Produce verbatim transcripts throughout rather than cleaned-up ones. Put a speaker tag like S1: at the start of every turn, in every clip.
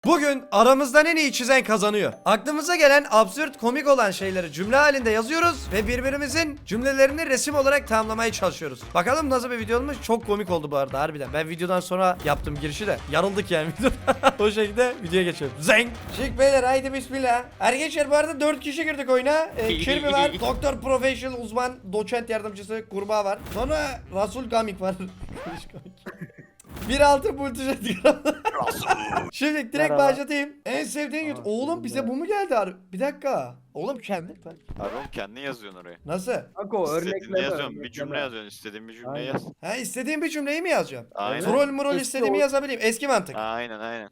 S1: Bugün aramızdan en iyi çizen kazanıyor. Aklımıza gelen absürt komik olan şeyleri cümle halinde yazıyoruz ve birbirimizin cümlelerini resim olarak tamamlamaya çalışıyoruz. Bakalım nasıl bir video olmuş? Çok komik oldu bu arada harbiden. Ben videodan sonra yaptım girişi de. Yarıldık yani videoda. O şekilde videoya geçelim. Zeng. Şık beyler haydi bismillah. Arkadaşlar bu arada dört kişi girdik oyuna. Ee, Kirby var. Doktor Professional uzman doçent yardımcısı kurbağa var. Sonra Rasul Gamik var. bir altı multijet. Şimdi direkt
S2: Merhaba.
S1: başlatayım. En sevdiğin YouTube. Oğlum bize bu mu geldi abi? Bir dakika. Oğlum kendi.
S3: Abi oğlum kendin yazıyorsun oraya.
S1: Nasıl?
S2: Kanka o
S3: İstediğini
S2: örnekleme.
S3: yazıyorsun. Bir
S2: örnekleme.
S3: cümle yazıyorsun. İstediğin bir cümle
S2: Aynen.
S3: yaz.
S1: Ha istediğim bir cümleyi mi yazacağım?
S3: Aynen.
S1: Troll murol
S2: Eski
S1: istediğimi
S2: o-
S1: yazabileyim. Eski mantık.
S3: Aynen aynen.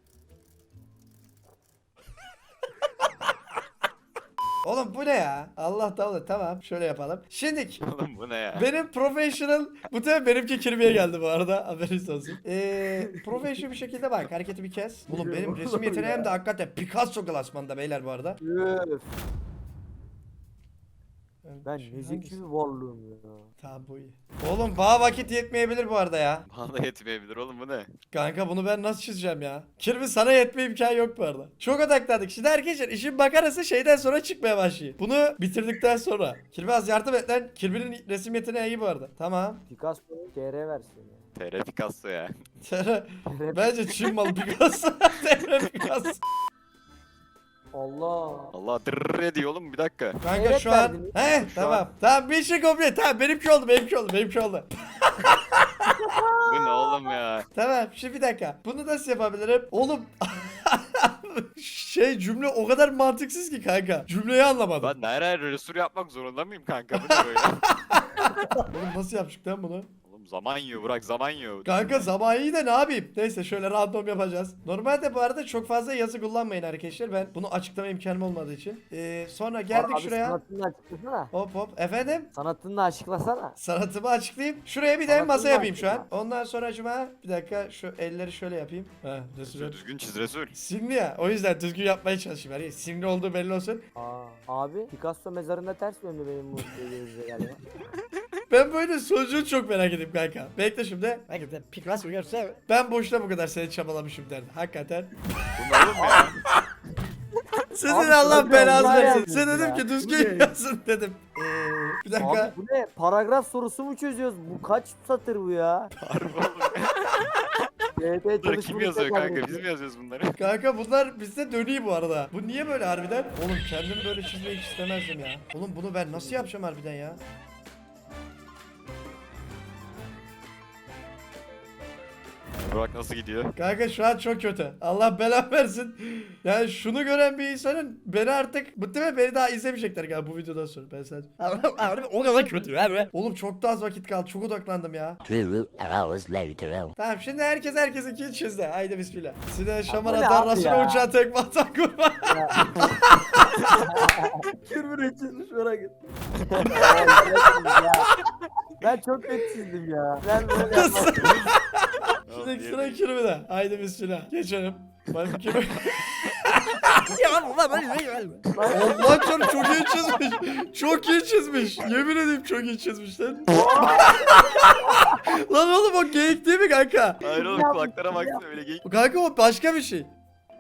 S1: Oğlum bu ne ya? Allah Allah tamam şöyle yapalım. Şimdi
S3: Oğlum bu ne ya?
S1: benim professional bu tabi benimki kirmiye geldi bu arada haberiniz olsun. Eee professional bir şekilde bak hareketi bir kes. Oğlum benim resim yeteneğim de hakikaten Picasso klasmanda beyler bu arada.
S2: Üf, ben
S1: Şu
S2: ne zeki
S1: hangisi?
S2: bir varlığım ya.
S1: Tamam bu iyi. Oğlum bana vakit yetmeyebilir bu arada ya.
S3: Bana da yetmeyebilir oğlum bu ne?
S1: Kanka bunu ben nasıl çizeceğim ya? Kirby sana yetme imkanı yok bu arada. Çok odaklandık. Şimdi arkadaşlar işin makarası şeyden sonra çıkmaya başlıyor. Bunu bitirdikten sonra. Kirby az yardım et lan. Kirby'nin resim yeteneği iyi bu arada. Tamam.
S2: Picasso'nun T R versiyonu.
S3: T R Picasso ya.
S1: Bence Çin malı Picasso. Picasso.
S2: Allah.
S3: Allah dırrrr diyor oğlum bir dakika.
S1: Kanka
S2: Evet
S1: şu an.
S2: verdiniz.
S1: He
S3: Şu
S1: tamam.
S3: an-
S1: Tamam bir şey komple. Tamam benimki oldu benimki oldu benimki oldu.
S3: Bu ne oğlum ya?
S1: Tamam şimdi bir dakika. Bunu nasıl yapabilirim? Oğlum. Şey cümle o kadar mantıksız ki kanka. Cümleyi anlamadım.
S3: Ben nereye resur yapmak zorunda mıyım kanka? Bu ne böyle?
S1: Oğlum nasıl yaptık lan bunu?
S3: Oğlum zaman yiyor bırak zaman yiyor.
S1: Kanka zaman iyi de ne yapayım? Neyse şöyle random yapacağız. Normalde bu arada çok fazla yazı kullanmayın arkadaşlar. Ben bunu açıklama imkanım olmadığı için. Ee, sonra geldik
S2: Abi
S1: şuraya.
S2: sanatını açıklasana.
S1: Hop hop. Efendim?
S2: Sanatını açıklasana.
S1: Sanatımı açıklayayım. Şuraya bir de
S2: Sanatını
S1: masa yapayım şu an.
S2: açıkla.
S1: Ondan sonra acaba bir dakika şu elleri şöyle yapayım. Ha,
S3: Resul
S1: resul.
S3: düzgün çiz resul.
S1: Simli ya. O yüzden düzgün yapmaya çalışayım. Yani simli olduğu belli olsun.
S2: Aa, abi Picasso mezarında ters döndü benim bu gözle galiba.
S1: Ben böyle sonucunu çok merak edeyim kanka. Bekle şimdi. Hakikaten Picasso görse ben boşuna bu kadar seni çabalamışım derdi. Hakikaten.
S3: Bu ne oğlum ya?
S1: Sizin
S2: Abi,
S1: Allah
S2: şöyle
S1: belanızı
S2: Allah
S1: versin.
S2: yazıyorsun
S1: Sen dedim
S2: ya.
S1: ki
S2: Bu
S1: düzgün
S2: ne?
S1: yazın dedim. Ee, bir dakika.
S2: Abi bu ne? Paragraf sorusu mu çözüyoruz? Bu kaç satır bu ya?
S3: Harbi oğlum.
S2: B T
S3: Bunları kim
S2: çalışmanı
S3: yazıyor
S2: tekrar
S3: kanka? Biz
S2: ediyor.
S3: mi yazıyoruz bunları?
S1: Kanka bunlar bizde dönüyor bu arada. Bu niye böyle harbiden? Oğlum kendim böyle çizmeyi hiç istemezdim ya. Oğlum bunu ben nasıl yapacağım harbiden ya?
S3: Bak nasıl gidiyor.
S1: Kanka şu an çok kötü. Allah belanı versin. Yani şunu gören bir insanın beni artık muhtemelen beni daha izlemeyecekler galiba bu videodan sonra. Ben sadece. Harbi o kadar kötü abi. Oğlum çok da az vakit kaldı. Çok odaklandım ya.
S4: Two hours later.
S1: Tamam şimdi herkes herkesinkini çizdi. Haydi bismillah. Sine şaman
S2: bu ne
S1: atan
S2: abi
S1: Rasul'a
S2: ya?
S1: uçan tekme atan kurban.
S2: Kirby çizmiş merak ettim. Ben çok kötü çizdim ya. Ben böyle yapmam.
S1: Şimdi sıra kirmide. Haydi bismillah. Geçelim. Ben kirmi. Allah canım çok iyi çizmiş. Çok iyi çizmiş. Yemin edeyim çok iyi çizmiş lan. Lan oğlum o geyik değil mi kanka?
S3: Hayır oğlum kulaklara baksana öyle geyik.
S1: Kanka o başka bir şey.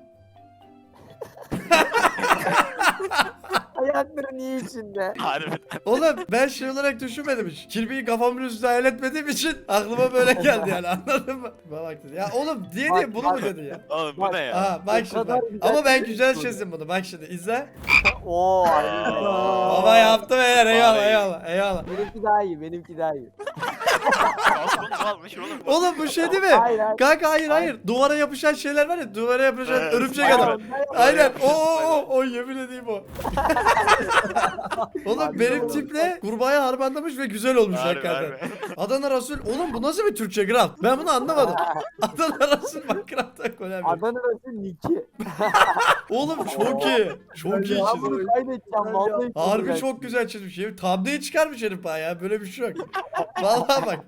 S2: Ayakları niye içinde?
S3: Harbiden.
S1: Oğlum ben şey olarak düşünmedim hiç. Kirpiyi kafamın üstüne hayal etmediğim için aklıma böyle geldi yani anladın mı? Bak dedi. Ya oğlum diye diye
S2: Bak,
S1: bunu mu
S2: bak.
S1: dedi ya?
S3: Oğlum bu
S2: Bak,
S3: ne ya?
S1: Aha bak
S2: O
S1: şimdi
S2: kadar
S1: bak.
S2: güzel
S1: Ama ben
S2: çizmiş
S1: güzel
S2: bunu.
S1: çizdim bunu. Bak şimdi izle.
S2: Oo.
S1: Baba yaptım eğer eyvallah
S3: Vay.
S1: eyvallah eyvallah.
S2: Benimki daha iyi, benimki daha iyi.
S3: Aslında almış oğlum.
S1: Oğlum bu şey değil mi?
S2: Hayır, hayır.
S1: Kanka hayır hayır. Duvara yapışan şeyler var ya. Duvara yapışan
S3: Evet,
S1: örümcek
S3: aynen.
S1: adam. Aynen. O o o o yemin edeyim o. Oğlum
S2: Abi,
S1: benim
S2: oğlum.
S1: tiple kurbağaya harmanlamış ve güzel olmuş
S3: Harbi,
S1: hakikaten.
S3: harbi.
S1: Adana Rasul. Oğlum bu nasıl bir Türkçe craft? Ben bunu anlamadım. Adana Rasul bak craft'a koyamıyorum.
S2: Adana Rasul Niki.
S1: Oğlum çok iyi. Çok iyi
S2: Ya
S1: çizmiş.
S2: bunu kaydedeceğim vallahi.
S1: Harbi çok güzel çizmiş. Herif thumbnail çıkarmış herif ha ya. Böyle bir şey yok. Vallahi bak.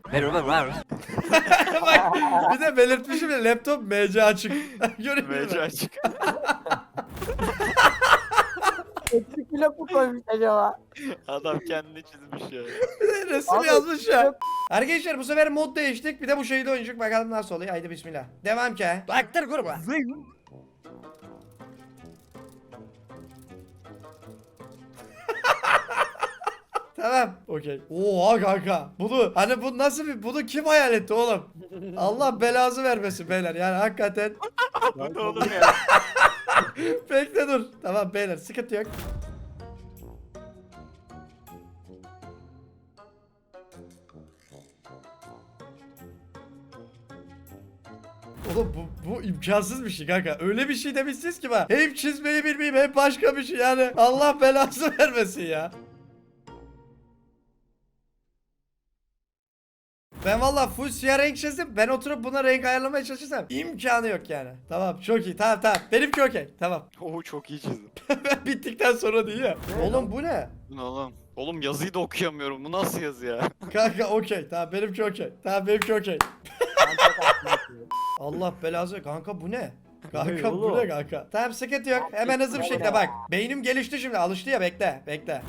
S1: Bak bir de belirtmişim ya laptop M C açık. Görüyor musun?
S3: Mece açık.
S2: Eksik blok mu koymuş acaba?
S3: Adam kendini çizmiş ya.
S1: Bir de resim
S2: Abi,
S1: yazmış ya.
S2: yok.
S1: Arkadaşlar bu sefer mod değiştik. Bir de bu şeyi de oynayacak. Bakalım nasıl oluyor. Haydi bismillah. Devam ki. Baktır kurba. Tamam. Okey. Oha kanka. Bunu hani bu nasıl bir bunu kim hayal etti oğlum? Allah belazı vermesin beyler. Yani hakikaten
S3: Bu ne oğlum ya?
S1: bekle dur. Tamam beyler sıkıntı yok. Oğlum bu, bu imkansız bir şey kanka. Öyle bir şey demişsiniz ki bana. Hem çizmeyi bilmeyeyim hem başka bir şey yani. Allah belası vermesin ya. Ben valla full siyah renk çizdim. Ben oturup buna renk ayarlamaya çalışırsam imkanı yok yani. Tamam çok iyi. Tamam tamam. Benimki okey. Tamam.
S3: Oo çok iyi çizdim.
S1: Ben bittikten sonra değil ya. Oğlum bu ne?
S3: Bu ne oğlum? Oğlum yazıyı da okuyamıyorum. Bu nasıl yazı ya?
S1: Kanka okey. Tamam benimki okey. Tamam benimki okey.
S2: Ben çok haklıyım.
S1: Allah belası. Kanka bu ne? Kanka
S2: Ne
S1: bu
S2: oğlum?
S1: ne kanka? Tamam sıkıntı yok. Hemen hızlı bir şekilde bak. Beynim gelişti şimdi. Alıştı ya bekle. Bekle.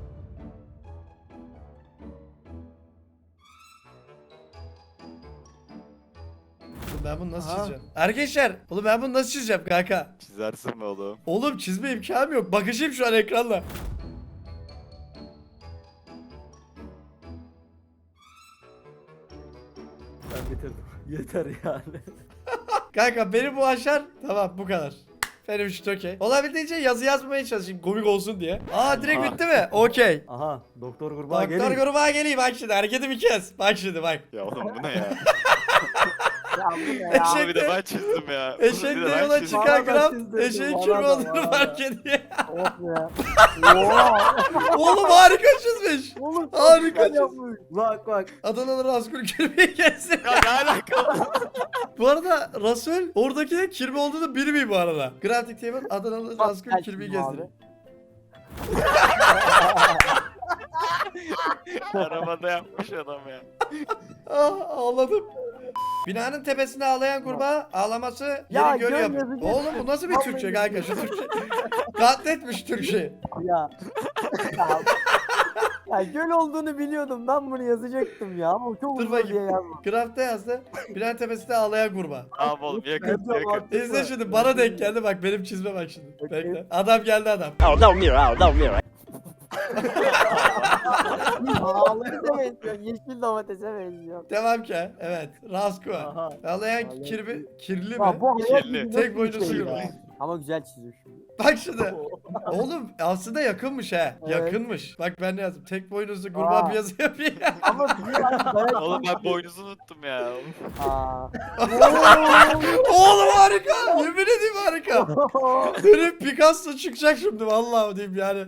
S1: Oğlum ben bunu nasıl
S2: Aha.
S1: çizeceğim? Arkadaşlar, oğlum ben bunu nasıl çizeceğim kanka?
S3: Çizersin be oğlum.
S1: Oğlum çizme imkanım yok. Bakışayım şu an ekranla.
S2: Ben bitirdim. Yeter yani.
S1: Kanka beni bu aşar. Tamam bu kadar. Benim için okey. Olabildiğince yazı yazmamaya çalışayım komik olsun diye. Aa direkt
S3: Aha.
S1: bitti mi? Okey.
S2: Aha doktor kurbağa
S1: Doktor
S2: gelin.
S1: gruba geleyim bak şimdi hareketi bir kez. Bak şimdi bak.
S3: Ya oğlum bu ne ya?
S2: Ya bu ne ya?
S1: Eşek-
S3: Bunu bir de ben çizdim ya. Bunu bir
S1: Eşekle
S3: de ben
S1: yola
S3: çizdim.
S1: çıkan
S2: Bana da
S1: Graf
S2: çizdirdim,
S1: eşeğin
S2: bana
S1: kim
S2: da,
S1: olduğunu
S2: bana
S1: fark
S2: da.
S1: ediyor.
S2: Of ya. Oha.
S1: Oğlum harika çizmiş.
S2: Oğlum
S1: Harika
S2: harika
S1: çiz-
S2: yapmış. Bak bak.
S1: Adanalı Rasul kirpiği gelsin.
S3: Ya ne alaka?
S1: Bu arada Rasul oradaki de kirpi olduğunu bilmiyor bu arada. Graphic Table Adanalı
S2: Bak,
S1: Rasul
S2: ben
S1: kirpiği
S2: çizdim
S1: gezdiriyor.
S3: Arabada yapmış adam ya.
S1: Ah ağladım. Binanın tepesinde ağlayan kurbağa ağlaması
S2: Ya,
S1: yeri görüyor.
S2: göl yazı
S1: Oğlum bu
S2: geçtim.
S1: nasıl bir
S2: Vallahi
S1: Türkçe kanka şu Türkçe. Katletmiş Türkçe.
S2: Ya. ya. Ya göl olduğunu biliyordum. Ben bunu yazacaktım ya. Ama çok
S1: Dur
S2: uzun diye
S1: bakayım.
S2: yazdım.
S1: Grafta yazdı. Binanın tepesinde ağlayan kurbağa.
S3: Tamam oğlum yakın
S2: Ben de
S3: yakın.
S2: mantıklı.
S1: İzle şimdi bana denk geldi bak benim çizme bak şimdi.
S2: Okey.
S1: Bekle. Adam geldi adam.
S4: Oh, no mirror, oh, no mirror.
S2: Ağları da benziyor. Yeşil domatese benziyor.
S1: Devam ki. Evet. Rasko.
S2: Aha.
S1: Ağlayan
S2: Ağlayan
S1: kirbi, kirli mi?
S2: Ya bu hayat
S3: Kirli.
S2: bilgi
S1: Tek
S2: nasıl
S1: boynuzu
S2: bir şey
S1: yürü.
S2: ya? Ama güzel çiziyor şimdi.
S1: Bak şimdi. Oğlum aslında yakınmış he.
S2: Evet.
S1: Yakınmış. Bak ben ne yazdım. Tek boynuzlu kurbağa
S2: Aa.
S1: bir yazı yapayım.
S2: Ama bir dayak
S3: Oğlum ben boynuzu unuttum ya.
S2: Aa.
S1: Oğlum harika. Yemin edeyim harika. Benim Picasso çıkacak şimdi vallahi diyeyim yani.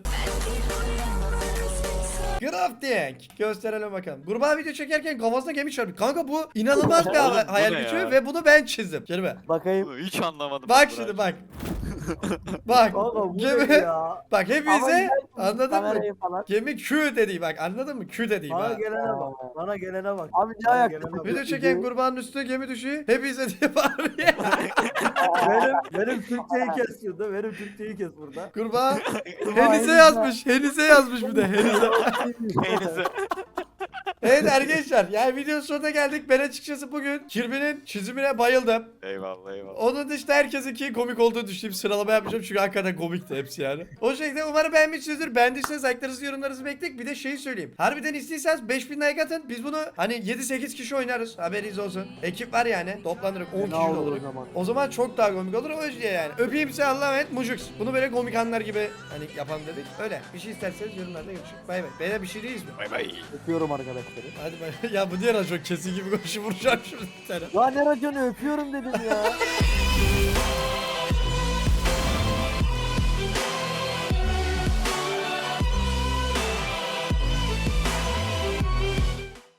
S1: Crafting. Gösterelim bakalım. Kurbağa video çekerken kafasına gemi çarpıyor. Kanka bu inanılmaz bir
S3: Oğlum, bu
S1: hayal
S3: ne
S1: gücü
S3: ya?
S1: ve bunu ben çizdim. Kelime.
S2: Bakayım.
S3: Bunu hiç anlamadım.
S1: Bak
S3: ben
S1: şimdi
S3: bunu.
S1: bak. Bak.
S2: Kanka bu
S1: Gemi.
S2: ne ya?
S1: Bak
S2: Ama
S1: hepinize
S2: güzel
S1: anladın mı?
S2: kamerayı falan.
S1: Gemi Q dedi bak anladın mı? Q dedi
S5: Bana
S1: bak.
S5: gelene bak. Bana gelene bak.
S2: Abi ne
S5: Bana
S2: ayak?
S5: gelene bak.
S1: Video çeken kurbanın üstüne gemi düşüyor. Hepinize diye bağırıyor.
S5: Benim, benim Türkçeyi kes şurada. Benim Türkçeyi kes burada.
S1: Kurbağa Henize yazmış. Henize yazmış bir de Henize.
S3: Neyse.
S1: Evet arkadaşlar yani videonun sonuna geldik. Ben açıkçası bugün Kirby'nin çizimine bayıldım.
S3: Eyvallah eyvallah.
S1: Onun dışında herkesinki komik olduğunu düşündüğüm sıralama yapacağım çünkü hakikaten komikti hepsi yani. O şekilde umarım beğenmişsinizdir. Beğendiyseniz like'larınızı yorumlarınızı bekleyin. Bir de şeyi söyleyeyim. Harbiden istiyorsanız beş bin like atın. Biz bunu hani yedi sekiz kişi oynarız. Haberiniz olsun. Ekip var yani. Toplanırız on
S2: Ne
S1: kişi
S2: olur o
S1: oluruz.
S2: zaman?
S1: O zaman çok daha komik olur o yüzden yani. Öpeyim size Allah'a emanet Mucux. Bunu böyle komik anlar gibi hani yapalım dedik. Öyle. Bir şey isterseniz yorumlarda görüşürüz. Bay bay. Beyler bir şey değiliz mi?
S3: Bay bay.
S2: Öpüyorum arkadaşları.
S1: Hadi bay. Ya bu diğer çok kesin gibi koşu vuracağım şurada bir tane.
S2: Ya ne raconu öpüyorum dedim ya.